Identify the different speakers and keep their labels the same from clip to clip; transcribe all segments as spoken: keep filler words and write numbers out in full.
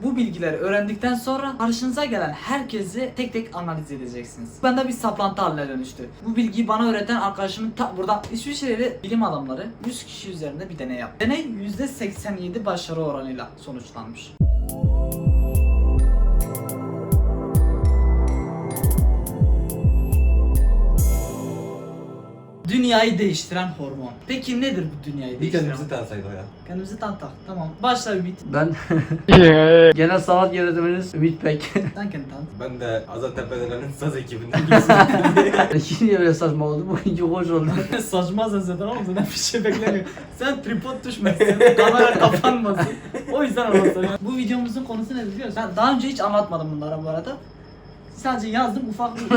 Speaker 1: Bu bilgileri öğrendikten sonra karşınıza gelen herkesi tek tek analiz edeceksiniz. Bende bir saplantı haline dönüştü. Bu bilgiyi bana öğreten arkadaşımın ta burada İsviçreli bilim adamları yüz kişi üzerinde bir deney yaptı. Deney yüzde seksen yedi başarı oranıyla sonuçlanmış. Dünyayı değiştiren hormon. Peki nedir bu dünyayı
Speaker 2: Bir
Speaker 1: değiştiren?
Speaker 2: kendimizi tanısaydı o ya.
Speaker 1: Kendimizi tanıtak. Tamam. Başla Ümit.
Speaker 3: Ben genel sanat yönetmeniniz Ümit Pek.
Speaker 1: Sen kendini tanıt.
Speaker 2: Ben de Azat Tepedelen'in saz ekibinden birisiyim.
Speaker 3: Niye böyle saçma oldu? Bugünkü hoş oldu.
Speaker 1: Saçma zaten ama zaten bir şey beklemiyor. Sen tripod düşmesin, kamera kapanmasın. O yüzden anlatıyorum. Bu videomuzun konusu ne biliyor musun? Ben daha önce hiç anlatmadım bunlara bu arada. Sadece yazdım ufak bir...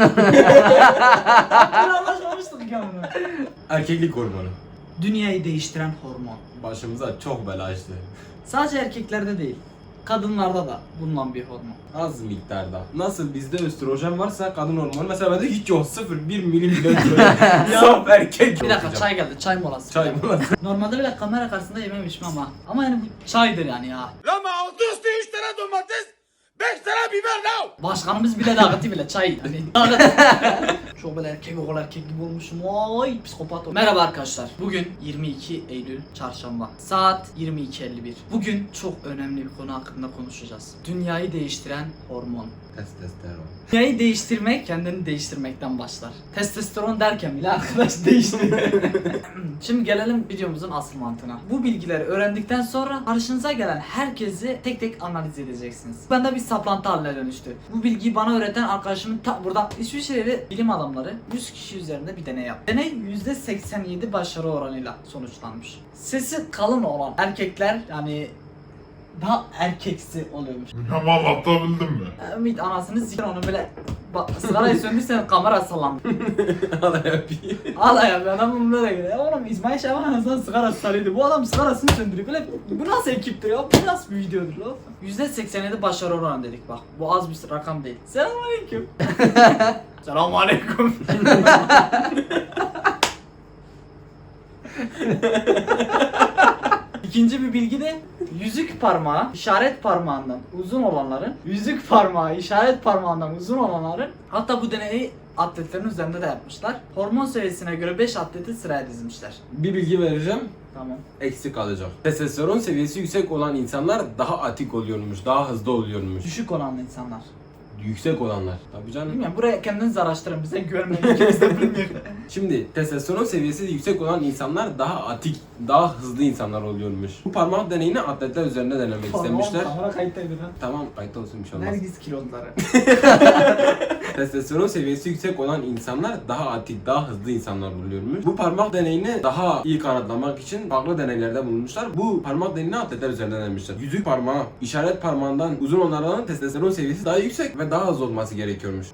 Speaker 1: Biz anlaşmamıştık ya bunu.
Speaker 2: Erkeklik hormonu.
Speaker 1: Dünyayı değiştiren hormon.
Speaker 2: Başımıza çok bela açtı.
Speaker 1: Sadece erkeklerde değil, kadınlarda da bulunan bir hormon.
Speaker 2: Az miktarda. Nasıl bizde östrojen varsa kadın hormonu mesela bende hiç yok. Sıfır bir milim bile östrojen. Saf erkek.
Speaker 1: Bir dakika çay geldi, çay molası.
Speaker 2: Çay molası.
Speaker 1: Normalde bile kamera karşısında yememişim ama. Ama yani bu çaydır yani ya.
Speaker 4: Lama altı üstü üç tane domates, beş tane biber now.
Speaker 1: Başkanımız bile dağıtı bile çay hani dağıtı. Çok böyle erkek oğul erkek gibi olmuşum. Vay psikopat ol. Merhaba arkadaşlar. Bugün yirmi iki Eylül Çarşamba. Saat yirmi iki elli bir. Bugün çok önemli bir konu hakkında konuşacağız. Dünyayı değiştiren hormon.
Speaker 2: Testosteron.
Speaker 1: Dünyayı değiştirmek kendini değiştirmekten başlar. Testosteron derken bile arkadaş değişti. Şimdi gelelim videomuzun asıl mantığına. Bu bilgileri öğrendikten sonra karşınıza gelen herkesi tek tek analiz edeceksiniz. Bende bir saplantı haline dönüştü. Bu bilgiyi bana öğreten arkadaşımın ta burada İsviçreli bilim adamları yüz kişi üzerinde bir deney yaptı. Deney yüzde seksen yedi başarı oranıyla sonuçlanmış. Sesi kalın olan erkekler yani daha erkeksi oluyormuş.
Speaker 4: Ama anlatabildim mi?
Speaker 1: Ümit anasını s*** onu böyle bak sigarayı söndürsen kamera sallandı.
Speaker 2: Hala yapayım.
Speaker 1: Ağla ya bir adam böyle geliyor. Oğlum İsmail Şaban Hasan sigara sarıydı. Bu adam sigarasını söndürüyor. Böyle bu nasıl ekiptir ya? Bu nasıl bir videodur lan? yüzde seksen yedi başarı oranı dedik bak. Bu az bir rakam değil. Selamünaleyküm. Selamünaleyküm. İkinci bir bilgi de yüzük parmağı işaret parmağından uzun olanların yüzük parmağı işaret parmağından uzun olanların hatta bu deneyi atletlerin üzerinde de yapmışlar. Hormon seviyesine göre beş atleti sıraya dizmişler.
Speaker 2: Bir bilgi vereceğim.
Speaker 1: Tamam.
Speaker 2: Eksik kalacak. Testosteron seviyesi yüksek olan insanlar daha atik oluyormuş, daha hızlı oluyormuş.
Speaker 1: Düşük olanlı insanlar.
Speaker 2: Yüksek olanlar. Tabii canım.
Speaker 1: Bilmiyorum buraya kendiniz araştırın bize güvenmeyin. İkimiz de bilmiyoruz.
Speaker 2: Şimdi testosteron seviyesi yüksek olan insanlar daha atik, daha hızlı insanlar oluyormuş. Bu parmak deneyini atletler üzerinde denemek istemişler.
Speaker 1: Kamera kayıttaydı lan.
Speaker 2: Tamam, kayıt olsun bir şey olmaz.
Speaker 1: Nergis kilonları.
Speaker 2: Testosteron seviyesi yüksek olan insanlar daha atik, daha hızlı insanlar oluyormuş. Bu parmak deneyini daha iyi kanıtlamak için farklı deneylerde bulunmuşlar. Bu parmak deneyini atletler üzerinde denemişler. Yüzük parmağı, işaret parmağından uzun olanların testosteron seviyesi daha yüksek ve daha az olması gerekiyormuş.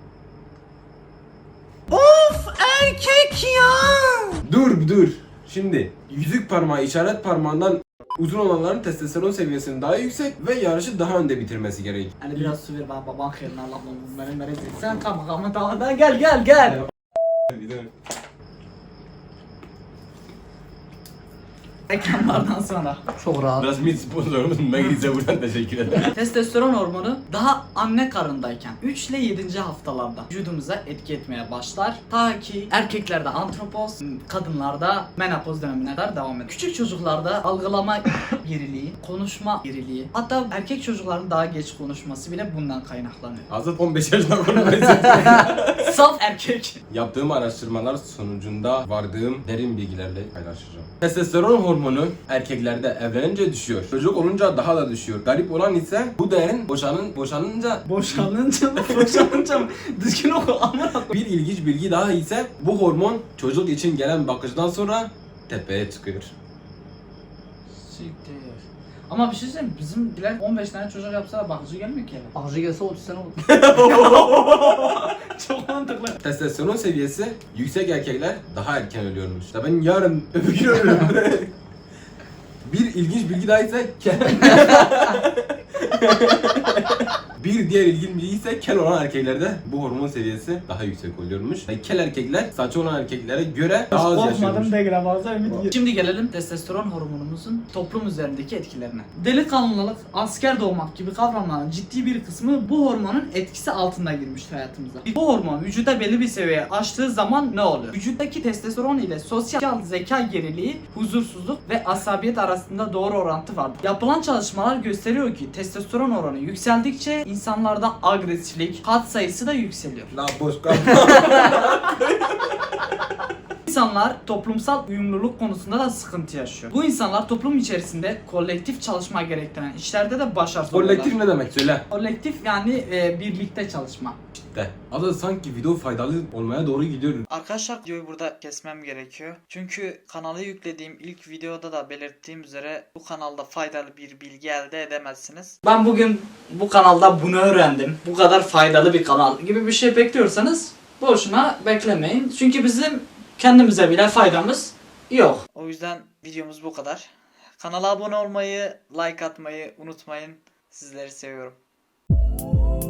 Speaker 1: Erkek ya.
Speaker 2: Dur dur. Şimdi yüzük parmağı, işaret parmağından uzun olanların testosteron seviyesinin daha yüksek ve yarışı daha önde bitirmesi gerek.
Speaker 1: Hani biraz su ver bana baban kıyırına Allah'ım benim merezi. Sen kalma kalma tamam da gel gel gel. Reklamlardan sonra.
Speaker 3: Çok rahat.
Speaker 2: Biraz mid sponsorumuz Megriz'e buradan teşekkür ederim.
Speaker 1: Testosteron hormonu daha anne karnındayken üç ile yedinci haftalarda vücudumuza etki etmeye başlar. Ta ki erkeklerde antropoz, kadınlarda menopoz dönemine kadar devam eder. Küçük çocuklarda algılama geriliği, konuşma geriliği, hatta erkek çocukların daha geç konuşması bile bundan kaynaklanıyor.
Speaker 2: Azat on beş yaşında konuşmayı
Speaker 1: Saf erkek.
Speaker 2: Yaptığım araştırmalar sonucunda vardığım derin bilgilerle paylaşacağım. Testosteron hormonu erkeklerde evlenince düşüyor. Çocuk olunca daha da düşüyor. Garip olan ise bu değerin boşanın, boşanınca
Speaker 1: Boşanınca mı? Boşanınca mı? Düzgün oku ama.
Speaker 2: bir ilginç bilgi daha ise bu hormon çocuk için gelen bakıcıdan sonra tepeye çıkıyor.
Speaker 1: Siktir. Ama bir şey söyleyeyim bizimkiler on beş tane çocuk yapsa da bakıcı gelmiyor ki eve.
Speaker 3: Bakıcı gelse otuz sene olur.
Speaker 1: Çok mantıklı.
Speaker 2: Testosteron seviyesi yüksek erkekler daha erken ölüyormuş. Ya ben yarın öbür gün ölürüm. Bir ilginç bilgi daha ise bir Bir diğer ilginç bilgi ise kel olan erkeklerde bu hormon seviyesi daha yüksek oluyormuş. Yani kel erkekler saçı olan erkeklere göre daha az yaşıyormuş.
Speaker 3: değil bazen Ümit.
Speaker 1: Şimdi gelelim testosteron hormonumuzun toplum üzerindeki etkilerine. Delikanlılık, asker doğmak gibi kavramların ciddi bir kısmı bu hormonun etkisi altında girmiştir hayatımıza. Bu hormon vücuda belli bir seviyeye aştığı zaman ne oluyor? Vücuttaki testosteron ile sosyal zeka geriliği, huzursuzluk ve asabiyet arasında doğru orantı vardır. Yapılan çalışmalar gösteriyor ki testosteron oranı yükseldikçe insanlarda agresiflik, kat sayısı da yükseliyor.
Speaker 2: La boş kal.
Speaker 1: İnsanlar toplumsal uyumluluk konusunda da sıkıntı yaşıyor. Bu insanlar toplum içerisinde kolektif çalışma gerektiren işlerde de başarısız oluyorlar.
Speaker 2: Kolektif ne demek söyle?
Speaker 1: Kolektif yani e, birlikte çalışma.
Speaker 2: De. Adı sanki video faydalı olmaya doğru gidiyor.
Speaker 1: Arkadaşlar videoyu burada kesmem gerekiyor. Çünkü kanala yüklediğim ilk videoda da belirttiğim üzere bu kanalda faydalı bir bilgi elde edemezsiniz. Ben bugün bu kanalda bunu öğrendim. Bu kadar faydalı bir kanal gibi bir şey bekliyorsanız boşuna beklemeyin. Çünkü bizim kendimize bile faydamız yok. O yüzden videomuz bu kadar. Kanala abone olmayı, like atmayı unutmayın. Sizleri seviyorum.